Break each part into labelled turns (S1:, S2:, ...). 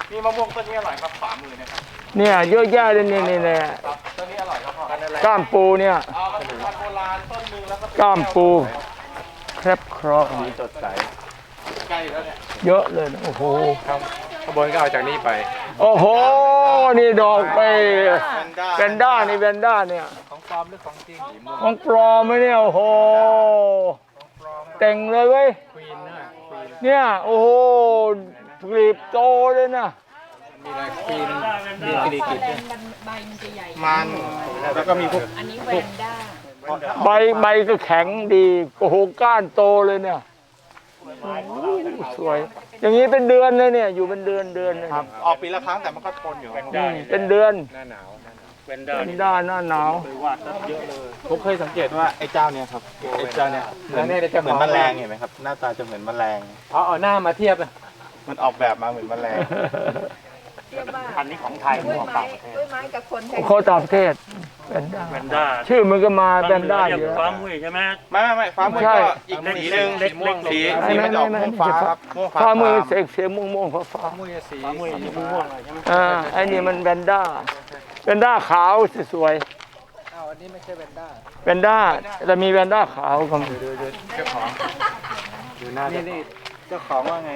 S1: มีมะม่วงต้นนี้อร่อยครับขวามือนะครับ
S2: เนี่ยเยอะแยะเลยนี่เนี่ย
S1: ต้นนี้อร่อยครับพ่อ
S2: ก้ามปูเนี่ย
S1: มันเป็นพันธุ์โบราณต้นนึงแล้วก็
S2: ก้ามปูแครบครอ
S1: สีสดใสใกล้แล้วเนี่ย
S2: เยอะเลยโอ้โห
S1: ขบวนก็เอาจากนี้ไป
S2: โอ้โหนี่ดอกไปแวนด้านี่แวนด้าเนี่ย
S1: ของปลอมหรือของจริง
S2: ของปลอมไหมเนี่ยโอ้โหแต่งเลยเว้ยเนี่ยโอ้โหกลีบโตเลยนะ
S1: มีอะไรควีนกรีกิด
S3: ใบมันจะใหญ่
S1: มันแล้วก็มีพวก
S3: อันนี้แวนด้า
S2: ใบก็แข็งดีโอ้โหก้านโตเลยเนี่ยสวยอย่างนี้เป็นเดือนเลยเนี่ยอยู่เป็นเดือนเลย
S1: ครับออกปีละครั้งแต่มันก็ทนอยู่
S2: เป็นเดือน
S1: หน้าหนาว
S2: เวนด้าหน้าหนาว
S1: เยอะเลยผมเคยสังเกตว่าไอ้เจ้าเนี่ยครับไอ้เจ้าเนี่ยเหมือนแมลงเห็นไหมครับหน้าตาจะเหมือนแมลง
S4: เอาหน้ามาเทียบ
S1: มันออกแบบมาเหมือนแมลง
S4: พันนี้ของไทยของต่างประเทศ
S3: ด้วยไม้กับคน
S2: เขาต่างประเทศแวนด้าชื่อมันก็มาแวนด้าอยู่
S4: ฟ้ามุ้ยใช่ไหม
S1: ไม่ฟ้ามุ้ยก็อีกสีนึงสีมันออกม่วงฟ้าครับ
S2: ฟ้ามือเสียงม่วงฟ้า
S1: มุ้ยสี
S4: ฟ้ามุ้ยม่วงอะไรใช่ไหม
S2: ไอ้นี่มันแวนด้าขาวสวย
S1: อันนี้ไม่ใช่แวนด้า
S2: แต่มีแวนด้าขาวก็มี
S1: เจ้าของดูหน้านี่เจ้าของว่าไง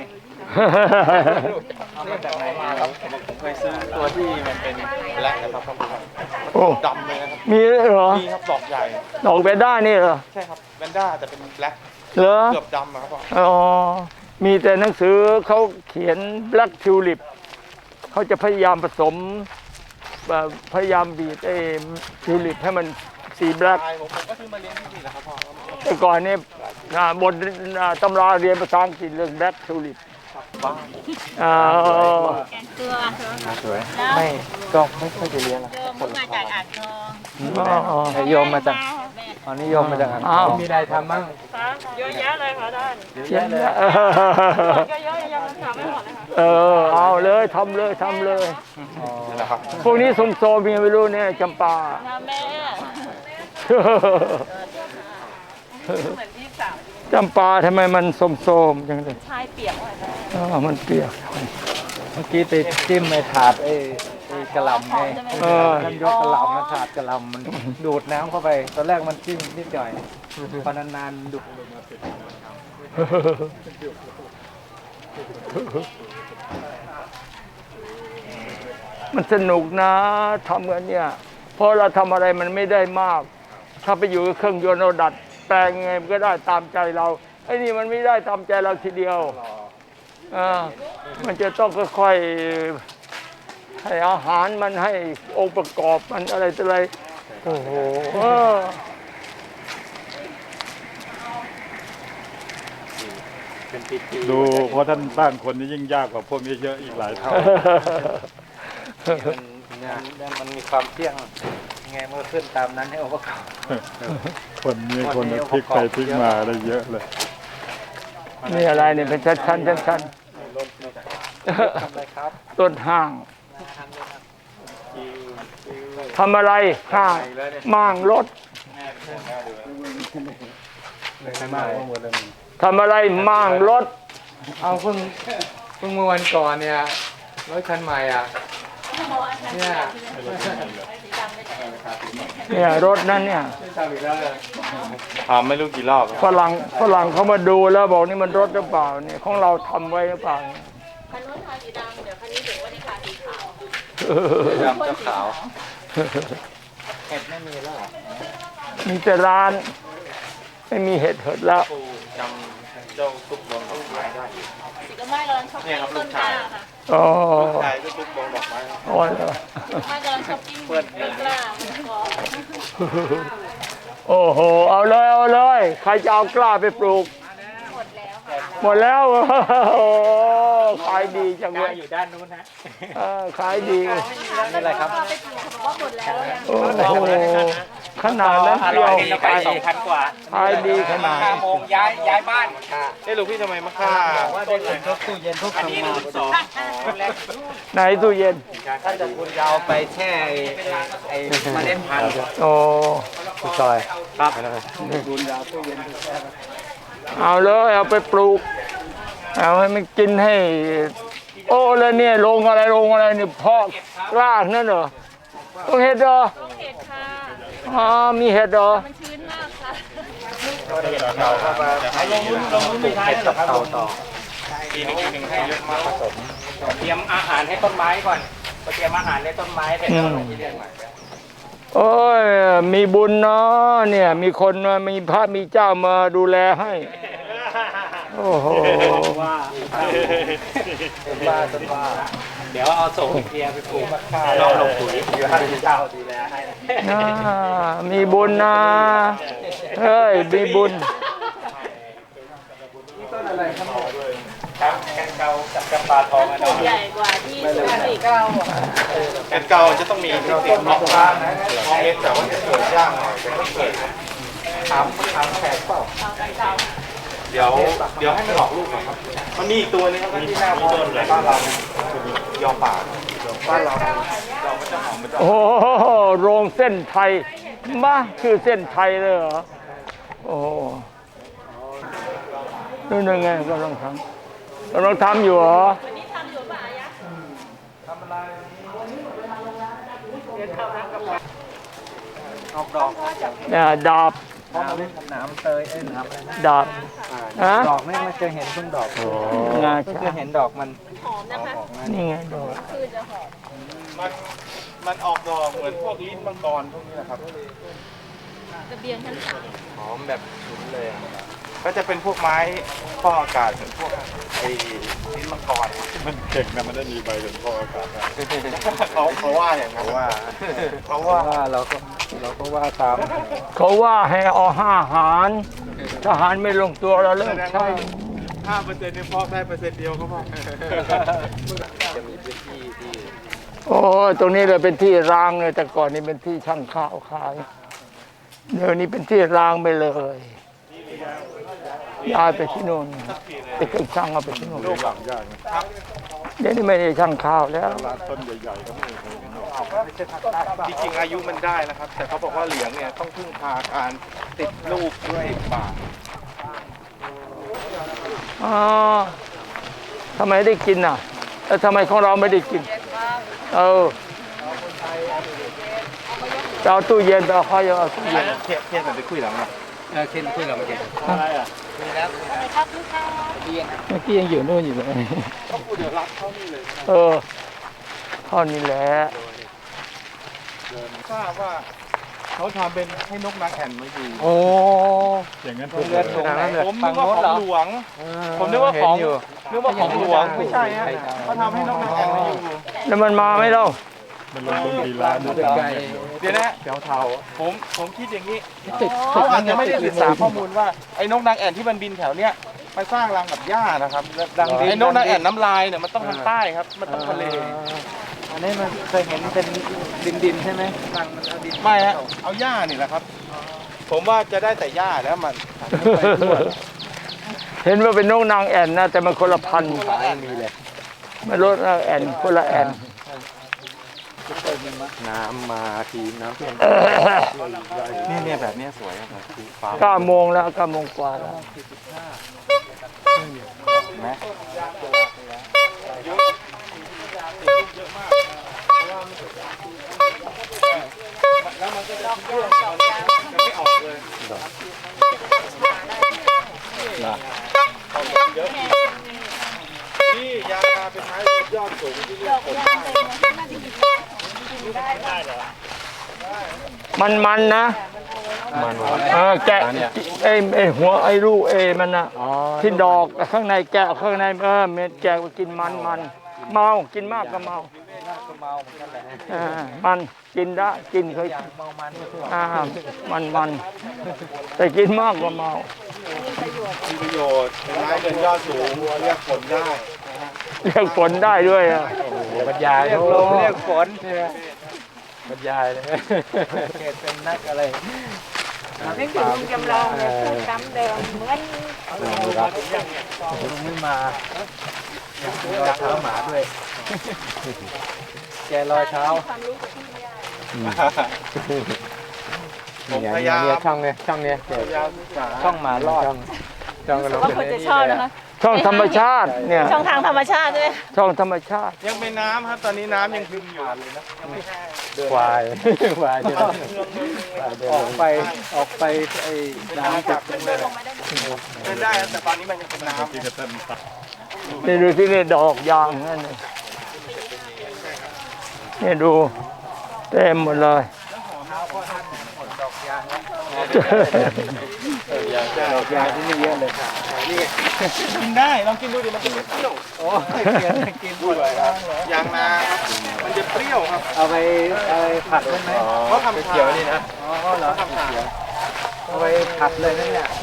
S1: เอาจากไหนมาครับผมเคยซื้อตัวที่มันเป็นแบล็คนะครับ
S2: โอ้
S1: ดำเลยนะครับ
S2: มีเหรอ
S1: มีครับดอกใหญ่
S2: ดอกแวนด้านี่เหรอ
S1: ใช่ครับแวนด้าแต่เป็นแบล็ค
S2: เหรอ
S1: เกือบดำครับพ่อ
S2: อ๋อมีแต่หนังสือเขาเขียนแบล็คทิวลิปเขาจะพยายามผสมพยายามบีบไอ้ทิวลิปให้มันสีแบล็ค
S1: ผมก็ซื้อมาเลี้ยงที่นี่แหละครับพ่อ
S2: แต่ก่อนนี่บนตำราเรียนภาษาอังกฤษเรื่องแบล็คทิวลิป
S3: แกงเกลือ
S1: สวยไม่ก็ไม่ค่อยจะเลี้ยงนะ
S3: คนมาจากอ่างทอง
S1: นิยมมาจากนิยมมาจากอ่างทองมีอะไรทำบ้าง
S3: เยอะแยะเลยค่ะท่าน
S2: เยอะแยะ
S3: ก็เยอะยังทำไม่หมดเลย
S2: ค่ะเอาเลยทำเลยพวกนี้สมโซมีไม่รู้เนี่ยจำปา
S3: แม่เหมือนพี่สาว
S2: จำปาทำไมมันโสมๆจังเลย
S3: ชายเปียกเลย
S2: มันเปียก
S4: เมื่อกี้ไปจิ้มไอ้ถาดไอ้กระหล่ำไงท่านยกกระหล่ำนะถาดกระหล่ำมันดูดน้ำเข้าไปตอนแรกมันจิ้มนิดหน่อยพอนานๆดูด
S2: มันสนุกนะทำกันเนี่ยเพราะเราทำอะไรมันไม่ได้มากถ้าไปอยู่กับเครื่องยนต์เราดัดแปลงไงมันก็ได้ตามใจเราไอ้นี่มันไม่ได้ตามใจเราทีเดียวมันจะต้องค่อยๆให้อาหารมันให้องค์ประกอบมันอะไรต่ออะไรโอ้โห
S5: ดูเพราะท่านบ้านคนนี้ยิ่งยากกว่าพวกนี้เยอะอีกหลายเท่า
S4: มันมีความเที่ยงไงเมื่อขึ้นตามนั้นให้องค์ประกอบ
S5: คนนี้คนพลิกไปพลิกมาได้เยอะเลย
S2: นี่อะไรเนี่ยเป็นชั้นต้นห้างทำอะไรห้างมั่างรถทำอะไรมั่างรถ
S4: เอาเพิ่งเมื่อวันก่อนเนี่ยรถคันใหม่
S2: เนี่ยรถนั้นเนี่ย
S1: ไม่รู้กี่รอบ
S2: ฝรั่งเขามาดูแล้วบอกนี่มันรถหรือเปล่าเนี่ยของเราทำไว้หรือเปล่า
S3: คันนู้นทาสีดำเดี๋ยวคันนี้ถึงว่าที่ทาสีขาว
S1: ดำกับขาว
S4: เห็ดไม่มีแล้ว
S2: มีแต่ร้านไม่มีเห็ดแล้ว
S1: จำเจ้าตุ๊กบอลดอกไม้ได้
S3: สีก็ไม่ร้อนชอบกินต้นกล้าค่ะ
S2: อ๋อ
S1: ใช่ตุ๊กบอลดอกไม้
S2: อ๋อ
S3: ไม่ร้อนชอบกินต้นกล้า
S2: โอ้โหเอาเลยใครจะเอากล้าไปปลูกหมดแล้วขายดีจังเลย
S4: อยู่ด้านนู้นฮะ
S2: ขายดี
S4: นี่อะไรครับ
S3: ว่าหมดแล้ว
S2: โอ้โหขนาดนั้นเดียว
S4: ขาย2,000 กว่า
S2: ขายดีขนาด
S4: 5 โมงย้ายบ้าน
S1: ลูกพี่ทำไมมาฆ่า
S4: ว่าได้เลยทุกตู้เย็นทุกอันนี้รุ่น2
S2: ไหนตู้เย็น
S4: ถ้าจะคุณยาวไปแช่ไอ้เมล็ดพันธุ์
S2: โอ้
S4: ซอยครับ
S2: คุณยาวตู้เย็นเอาเลยเอาไปปลูกเอาให้มันกินให้โอ้แล้วเนี่ยลงอะไรนี่เพาะกล้านั่นเหรอต้องเห็ดเหรอ
S3: ต้องเห็ดค่ะ
S2: อ๋อมีเห็ดเหรอ
S3: มันชื้นมากค่ะ
S1: ลงรุ่นไม่ใช่หรอกครับต่อปีหนึ่งให้เยอะมากผสมเตรียมอาหารให้ต้นไม้ก่อนเตรียมอาหารให้ต้นไม้แต่ต้นที่เรียนใหม่
S2: โอ้ยมีบุญเนาะเนี่ยมีคนมามีพระมีเจ้ามาดูแลให้โอ้โห
S1: ว่าต้นว่าเดี๋ยวเอาส่งเพียไปปลูกมะข่าเราลงปุ๋ยอยู่ให้เจ้าดูแลให้
S2: มีบุญนะเฮ้ยมีบุญ
S1: ครับแกนเกากับกระปาทองอัน
S3: ต้
S1: นั้น
S3: นใหญ่กว่าที่สุริเก้าอ่ะ
S1: แกนเกาจะต้องมีติดมอกบ้านมองเล็กแต่ว่าจะสวยยากหน่อยเป็นเกล็ดถามแขกเปล่า
S3: เอากันเก่า
S1: เดี๋ยวให้มันออกลูกก่อนครับมันมีอีกตัวนึงครับที่หน้าพ่อในบ้านเรายอป่าบ้านเรามันจะหอมมันจะ
S2: โอ้โหโรงเส้นไทยมาคือเส้นไทยเลยเหรอโอ้โหนู่นยังไงกำลังทำอยู่เหรอ
S3: วันนี้ทำอยู่ป่ะยะ
S4: ออกดอก
S2: เนี่ยดาบ
S4: น้ำเตยน้ำอะไรนะ
S2: ดาบฮะ
S4: ดอกนี่ไม่เคยเห็นเพิ่งดอก
S2: งา
S4: เพิ่งเค
S2: ช้าย
S4: เห็นดอกมัน
S3: หอมนะคะ
S2: นี่ไงดอก
S3: คือจะหอม
S1: มันออกดอกเหมือนพวกลิ้นมังกรพวกนี้นะครับ
S3: กระเบียงชั้นสาม
S1: หอมแบบฉุนเลยก็จะเป็นพวกไม้ฟอกอากาศเหมือนพวกไอ้ลิ้นมังกร
S5: มันเก่งนะมันได้มีใบเป็นพ่ออากาศนะ
S1: เขาว่าอย่างนั้นว่า
S4: ว่าเราก็ว่าตาม
S2: เขาว่าให้เอา5 หารทหารไม่ลงตัวเราเลิกใช่
S1: 5%เนี่ยพอกได้1%เดียวก็พอ
S2: โอ้ยตรงนี้เลยเป็นที่ร้างเลยแต่ก่อนนี่เป็นที่ช่างข้าวขายเดี๋ยวนี้เป็นที่ร้างไปเลยย้ายไปที่นู่นติดเครื่องช่างเอาไปที่นู่น
S5: โลกหลังยากนะ
S2: เดี๋ยวนี้ไม่ได้ช่างข้าวแล้ว
S5: ร้านต้นใหญ่ๆก็ไม่เคยเห็นหรอก
S1: จริงๆอายุมันได้นะครับ แต่เขาบอกว่าเหลียงเนี่ยต้องพึ่งพาการติดลูกด้วยป่า
S2: อ๋อทำไมได้กินอ่ะแล้วทำไมของเราไม่ได้กินจะเอาตู้เย็นไปเอาข้าวเอาตู้เย็น
S1: เทียนมันไปคุยหลังนะ
S4: เคนคุยเราเมื่อกี้
S5: อะไรอ่ะ
S3: อะไรครับลูกค้า
S2: เมื่อกี้ยังอยู่นู่นอยู่เลย
S1: เขาพูดเดี๋ยวรับเขานี่เลย
S2: เท่านี้แหละ
S1: ทราบว่าเขาทำเป็นให้นกนางแอ่นมาอยู่
S2: โอ้
S5: อย่างนั้นทุก
S4: เลือด
S5: เล
S4: ถุง
S5: ย
S4: ไหน
S1: ผมนึกว่าของหลวง ผมนึกว่าของหลวงไม่ใช่ฮะเขาทำให้นกนางแอ่นมาอยู่
S2: แล้วมันมาไหมเล่า
S5: มันลงทุนกี่ล้านนะ
S4: ไก่
S1: เดี๋ยวนะผมคิดอย่างนี้เขาอาจจะไม่ได้ศึกษาข้อมูลว่าไอ้นกนางแอ่นที่มันบินแถวเนี้ยไปสร้างรังกับหญ้านะครับไอ้นกนางแอ่นน้ำลายเนี่ยมันต้องทางใต้ครับ มันต้องทะเล
S4: อันนี้มันเคยเห็นเป็นดินใช่ไหมรังมันเอาดิน
S1: ไม่ฮะเอาหญ้านี่แหละครับ ผมว่าจะได้แต่หญ้าแล้วมัน
S2: เห็นว่าเป็นนกนางแอ่นนะแต่มันคนละพันธุ์
S1: มีเลย
S2: ไม่รู้นางแอ่นคนละแอ่น
S1: น้ำมาทีน้ำเพียงเนี่ยแบบเนี้ยสวยครับฟ้า
S2: 9 โมงแล้ว9 โมงกว่าแล้ว
S1: ไหมแล้วมันก็จะร่วงจะไม่ออกเลยเยอะนี่ยาเป็นไม้ยอดสูงที่เรียกผลได้
S2: มันนะแกะไอ้หัวไอ้ลูกมันนะที่ดอกข้างในแกะข้างในเม็ดแกะก็กินมันเมากินมากก็เมา
S4: ก็เมาเหมือนกันแหละ
S2: มันกินได้กินเคย
S4: เมามัน
S2: มันแต่กินมากก็เมา
S1: มีประโยชน์เป็นไม้เดินยอดสูงเรียกผลได้
S2: เรียกฝนได้ด้วยอ่ะ
S4: บรรยายเรียกลมเรียกฝนบรรยายเลยเกตเป็นนักอะไร
S3: นึกถึงลุงจำลองเนี่ยพูดซ้ำเดิมเหมือน
S4: ลุงไม่มาอยากรอยเท้าหมาด้วยแกรอยเท้า
S3: ความรู้กับพี่ยา
S1: ผมพยายาม
S4: ช่องเนี้ย
S1: พยายามศึกษา
S4: ช่องหมารอดช่องกระโดด
S3: ว่าคนจะชอบนะคะ
S2: ช่องธรรมชาติเนี่ย
S3: ช่องทางธรรมชาติด้วย
S2: ช่องธรรมชาติ
S1: ยังเป็นน้ำครับตอนนี้น้ำยังซึมอยู่เลยนะยังไม่แห้ง
S4: ควายควายจะออกไปไอ้น้ำจาก
S1: เดินได้ครับแต่ตอนนี้มันยังเป็นน้ำ
S5: ที่จะต้นตัด
S2: นี่ดูที่นี่ดอกยางนั่นนี่นี่ดูเต็มหมดเลย
S4: ดอกยางที่นี่เยอะเลยค่ะ
S1: กินได้ลองกินดูดิมันจะเปรี้ยว
S4: โอ้ยกินด้วย
S1: ยางนาครับมันจะเปรี้ยวครับ
S4: เอาไปผัดได้ไหม
S1: เขาทำเขียวนี่นะ
S4: อ๋อเหรอ
S1: เขาทำเขียว
S4: เอาไปผัดเลยนะเนี่ย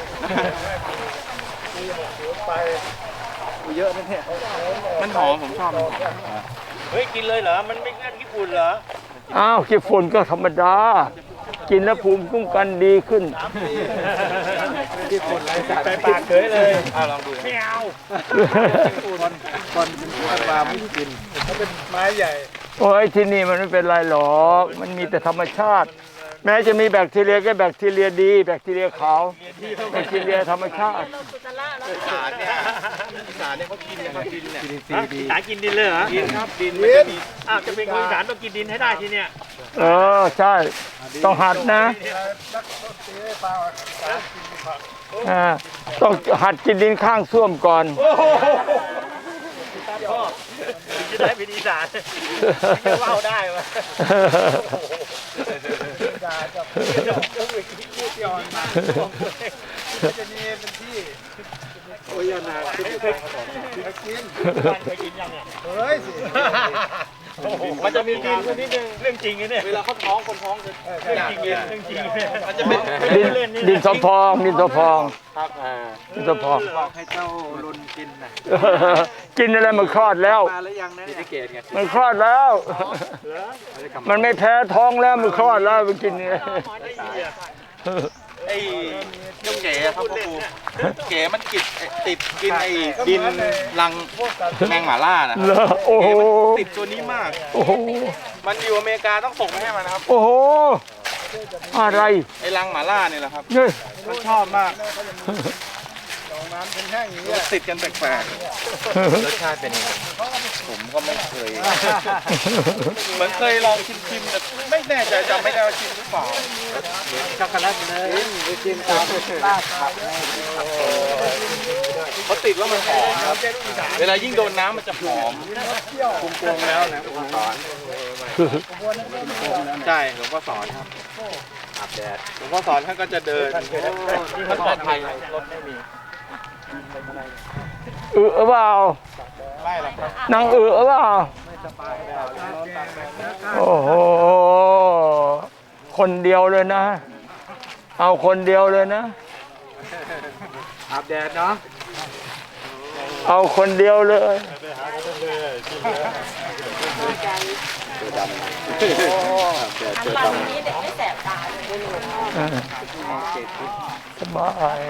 S4: เยอะนะเนี่ย
S1: มันหอมผมชอบมันหอม
S6: เฮ้ย กินเลยเหรอ มันไม่เงื่อนญี่ปุ่นเหรอ
S2: อ้าวขี้ฝุ่นก็ธรรมดา กินแล้วภูมิคุ้มกันดีขึ้น
S4: ที่คนไร้สาร
S6: ไปปากเฉยเลย
S1: ลองดู
S6: ไม่เอา
S4: คนเป็นคนปลาไม่กินเขาเป็นไม้ใหญ่
S2: โอ้ยที่นี่มันไม่เป็นไรหรอก มันมีแต่ธรรมชาติ แม้จะมีแบคทีเรียก็แบคทีเรียดี แบคทีเรียขาว แบคทีเรียธรรมชาติ
S3: สุตละแล้ว
S1: อีสานเนี่ยอีสานเนี่ยเขากินนะครับดินเนี่ย
S4: ซีดี
S6: สายกินดินเลยเหรอ
S1: กินครับดินมันจะมี
S6: อ้าว จะเป็นคนอีสานต้องกินดินให้ได้ทีเนี้ย
S2: เออ ใช่ ต้องหัดนะต้องหัดกินดินข้างส้วมก่อน
S6: พ่อถึงจะได้เป็นอีสานจะเล่าได้ไหม
S4: จะมีเป็นที่โอ้ยนาคิดอยู่กิน
S6: เคยกินยังเนี่ย
S4: เฮ้ยสิ
S1: มันจะมีดินอยู่นิดนึง
S6: เรื่องจริงนะเนี่ย
S1: เวลาเขาท้องคนท้องจะ
S6: เรื่องจริงเนี่ยเรื่องจริงเนี่ย
S1: มันจะเป็น
S2: ดินสอพอง ดินสอพอง
S1: ครับ
S2: ดินสอพอง
S4: บอกให้เจ้าลุนกินนะ
S2: กินอะไรมันคลอดแล้ว
S4: มาแล้วยังนะเนี่ยเกตไง
S2: มันคลอดแล้ว มันไม่แพ้ท้องแล้วมันคลอดแล้วมันกินเนี่ย
S1: ไอ้เจ้าเก๋ครับพ่อครูเก๋มันติดกินไอ้ดินรังแมงหม่าล่านะ
S2: เหรอโอ้โห
S1: เก๋มันติดตัวนี้มาก
S2: โอ้โห
S1: มันอยู่อเมริกาต้องส่งไปให้มันนะครับ
S2: โอ้โห อะไร
S1: ไอ้รังหม่าล่าเนี่ยแหละครับ
S2: เนี่ย
S1: มันชอบมากมันติดกันแปลกๆรสชาติเป็นยังไงผมก็ไม่เคย เหมือนเคยลองชิมแต่ไม่แน่ใจจำไม่ได้ว่าชิมหรือเปล่า
S4: ช็อกโกแลตเลยไปกินตามลาดผัก
S1: เขาติดแล้วมันหอมครับ เวลายิ่งโดนน้ำมันจะหอมคุมโปงแล้วนะผมสอนใช่หลวงพ่อสอนครับอาบแดดหลวงพ่อสอนท่านก็จะเดินท่านปลอดภัยรถไม่มี
S2: เปล่า
S1: ไม่หรอกครับ
S2: นางเปล่าโอ้โห คนเดียวเลยนะ เอาคนเดียวเลยนะ
S4: อาบแดดเนาะ
S2: เอาคนเดียวเลย
S3: น้ำมันนี้เด็กไม่แสบตาเลย
S2: สบาย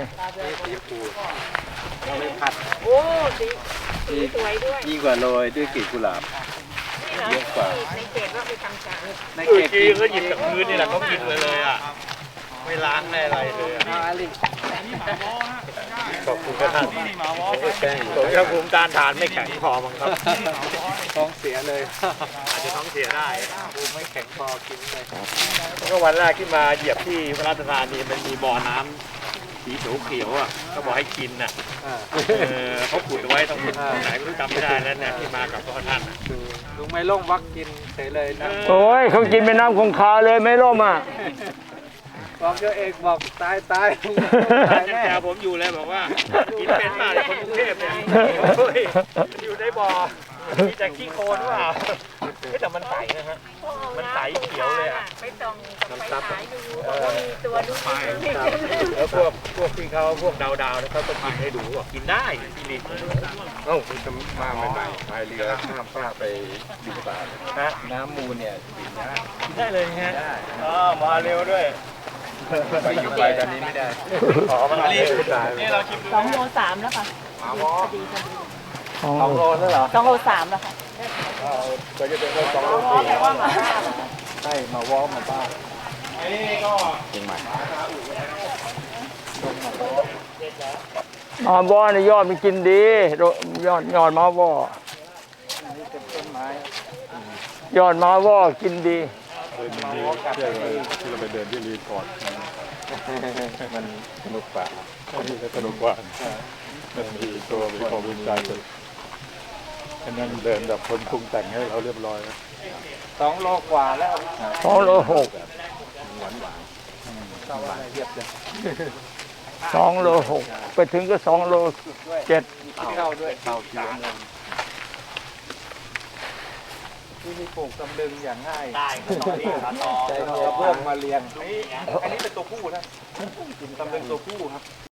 S3: โอ้สีสวยด้วย
S4: ยิ่งกว่าโรยด้วยกลีบกุหลาบ
S3: เยอะกว่าในเขตว่าไปทำชา
S4: ใน
S6: เมื่
S4: เก
S6: อ
S4: ต
S6: กี้เขาหยิบจากพื้นนี่แหละเขากินเลยอ่ะ ไม่ล้างไม่อะไรเลยอะ
S4: อาลิ
S6: ขอบคุณท่านผมจะภูมิต้านทานไม่แข็งพอมั้งครับ
S4: ท้องเสียเลย
S6: อาจจะท้องเสียได้
S4: ภูมิไม่แข็งพอกินเลย
S6: ก็วันแรกที่มาเหยียบที่พระราชทานนี่มันมีบ่อน้ำสีเขียวๆอ่ะก็บอกให้กินน่ะเขาขุดเอาไว้ตรงไหนไม่รู้จำไม่ได้แล้วเนี่ยที่มากับพระท่านน่ะ
S4: ดูลุงไม่ล่งวักกินเฉยเลยนะ
S2: โอ้ยเขากินเป็นน้ำคงคาเลยไม่ร่มอ่ะ
S4: บอกเจ้าเอกบอกตายตาย
S6: ยังแซวผมอยู่เลยบอกว่ากินเป็นมากเลยคนกรุงเทพเนี่ยโอ้ยอยู่ในบ่อมีแต่ขี้โคลนหรือเปล่าแต่มันใสนะฮะมันใสเขียวเลยอ่ะ
S3: ไปส่องกับไปขายดูบอกว่ามีตัวดูดี
S6: แล้วพวกที่เขาพวกดาวๆนะเขาก็กินให้ดูว่ากินได้ที่นี่
S5: เอ้าคุณจะมาใหม่ๆพายเรือข้ามฟากไปบินบาต
S6: ฮะ
S5: น้ำมูลเนี่ย
S6: กินได้เลยฮะมาเร็วด้วย
S5: ไปอยู่ไปตอนนี้ไม่ได้
S6: อ๋อมันเร็ว
S1: นี่เราชิมดู
S3: 2 โล 3แล้วค่ะพอดี
S4: สองโลแล้วเหรอ
S3: 2 โล 3แล้วค่ะ
S5: ก็จะเป็นว่า2 โล
S3: แปลว่าหมาล่า
S4: ใช่มาวอร์มมาบ้าง
S1: อันนี้ก็
S5: เชียงใหม่
S2: มาว่อนี่ยอดมันกินดียอดมาว่อ
S4: นี่เป็นต้นไม้
S2: ยอดมาว่อกินดี
S5: ที่เราไปเดินที่รีพอร์ตมันสนุกกว่าสนุกกว่ามันมีตัวมีความภูมิใจฉะนั้นเดินแบบคนปรุงแต่งให้เราเรียบร้อย
S4: 2 โลกว่าแล้ว
S2: 2 โล 6 2 โล 6 ไปถึงก็ 2 โล 7
S4: เข้าด้วยเต่าเขียวเลยที่นี่ปลูกตำลึงอย่างง่าย
S6: ได้ก็ตอนนี้ขาตอ
S4: ใจเพื่อมาเลี้ยง
S6: อันนี้เป็นตัวผู้นะกินตำลึงตัวผู้ครับ